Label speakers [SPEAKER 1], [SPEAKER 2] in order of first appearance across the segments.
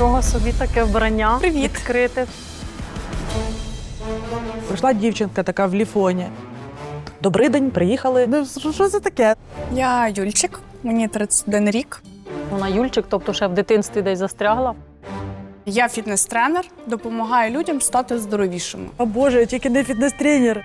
[SPEAKER 1] Нічого собі, таке вбрання.
[SPEAKER 2] Привіт.
[SPEAKER 1] Відкрите.
[SPEAKER 3] Прийшла дівчинка така в ліфоні. Добрий день, приїхали. Ну, що це таке?
[SPEAKER 2] Я Юльчик, мені 31 рік.
[SPEAKER 1] Вона Юльчик, тобто ще в дитинстві десь застрягла.
[SPEAKER 2] Я фітнес-тренер, допомагаю людям стати здоровішими.
[SPEAKER 3] О Боже, я тільки не фітнес-тренер.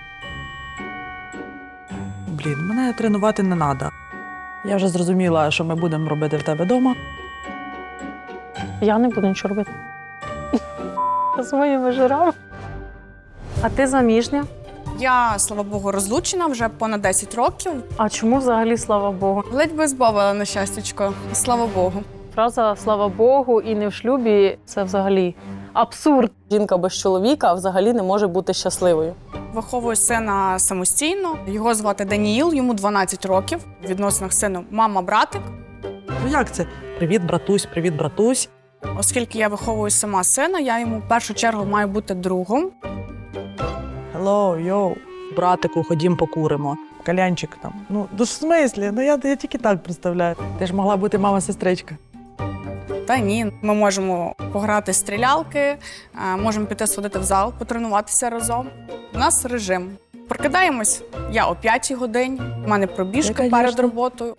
[SPEAKER 3] Блін, мене тренувати не треба. Я вже зрозуміла, що ми будемо робити в тебе вдома.
[SPEAKER 1] Я не буду нічого робити. З моїми жирами. А ти заміжня?
[SPEAKER 2] Я, слава Богу, розлучена вже понад 10 років.
[SPEAKER 1] А чому взагалі слава Богу?
[SPEAKER 2] Ледь би збавила на щастячко, слава Богу.
[SPEAKER 1] Фраза «слава Богу» і не в шлюбі – це взагалі абсурд. Жінка без чоловіка взагалі не може бути щасливою.
[SPEAKER 2] Виховую сина самостійно. Його звати Даніїл, йому 12 років. В відносинах з сином мама-братик.
[SPEAKER 3] Ну як це? Привіт, братусь, привіт, братусь.
[SPEAKER 2] Оскільки я виховую сама сина, я йому в першу чергу маю бути другом.
[SPEAKER 3] Hello, йоу. Братику, ходім покуримо. Калянчик там. Ну, в смислі? Ну я тільки так представляю. Ти ж могла бути мама-сестричка.
[SPEAKER 2] Та ні, ми можемо пограти в стрілялки, можемо піти сходити в зал, потренуватися разом. У нас режим. Прокидаємось я о 5-й годині, в мене пробіжка
[SPEAKER 3] Я,
[SPEAKER 2] перед
[SPEAKER 3] конечно.
[SPEAKER 2] роботою.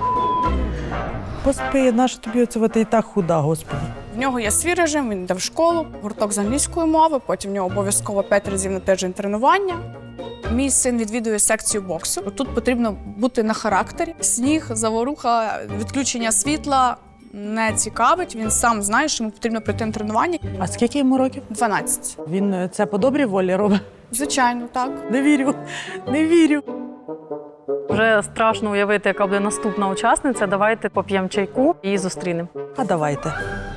[SPEAKER 3] Поспи, наша тобі оце ти і так худа, господи.
[SPEAKER 2] В нього є свій режим, він йде в школу, гурток з англійської мови, потім в нього обов'язково 5 разів на тиждень тренування. Мій син відвідує секцію боксу. Тут потрібно бути на характері. Сніг, заворуха, відключення світла не цікавить. Він сам знає, що йому потрібно прийти на тренування.
[SPEAKER 3] А скільки йому років?
[SPEAKER 2] 12.
[SPEAKER 3] Він це по добрій волі робить?
[SPEAKER 2] Звичайно, так.
[SPEAKER 3] Не вірю, не вірю.
[SPEAKER 1] Вже страшно уявити, яка буде наступна учасниця. Давайте поп'ємо чайку і зустрінемо.
[SPEAKER 3] А давайте.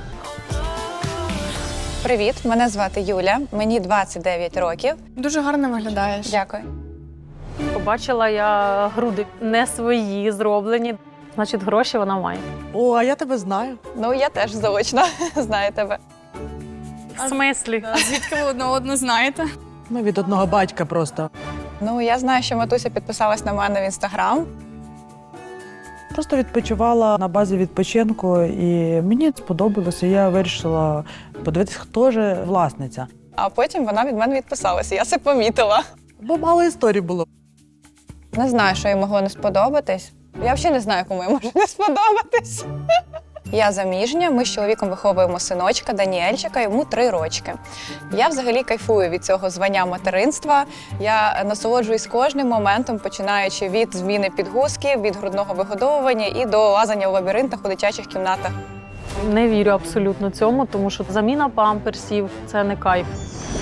[SPEAKER 4] Привіт, мене звати Юля, мені 29 років.
[SPEAKER 2] Дуже гарно виглядаєш.
[SPEAKER 4] Дякую.
[SPEAKER 1] Побачила я груди не свої, зроблені. Значить, гроші вона має.
[SPEAKER 3] О, а я тебе знаю.
[SPEAKER 4] Ну, я теж заочно знаю тебе.
[SPEAKER 1] В смислі?
[SPEAKER 2] Звідки ви одне одну знаєте?
[SPEAKER 3] Ми від одного батька просто.
[SPEAKER 4] Ну, я знаю, що Матуся підписалась на мене в Інстаграм.
[SPEAKER 3] Просто відпочивала на базі відпочинку, і мені сподобалося. Я вирішила подивитися, хто ж власниця.
[SPEAKER 4] А потім вона від мене відписалася, я це помітила.
[SPEAKER 3] Бо мало історій було.
[SPEAKER 4] Не знаю, що їй могло не сподобатись. Я взагалі не знаю, кому їй може не сподобатись. Я заміжня, ми з чоловіком виховуємо синочка Даніельчика, йому 3 рочки. Я взагалі кайфую від цього звання материнства. Я насолоджуюсь кожним моментом, починаючи від зміни підгузків, від грудного вигодовування і до лазання в лабіринтах у дитячих кімнатах.
[SPEAKER 1] Не вірю абсолютно цьому, тому що заміна памперсів – це не кайф.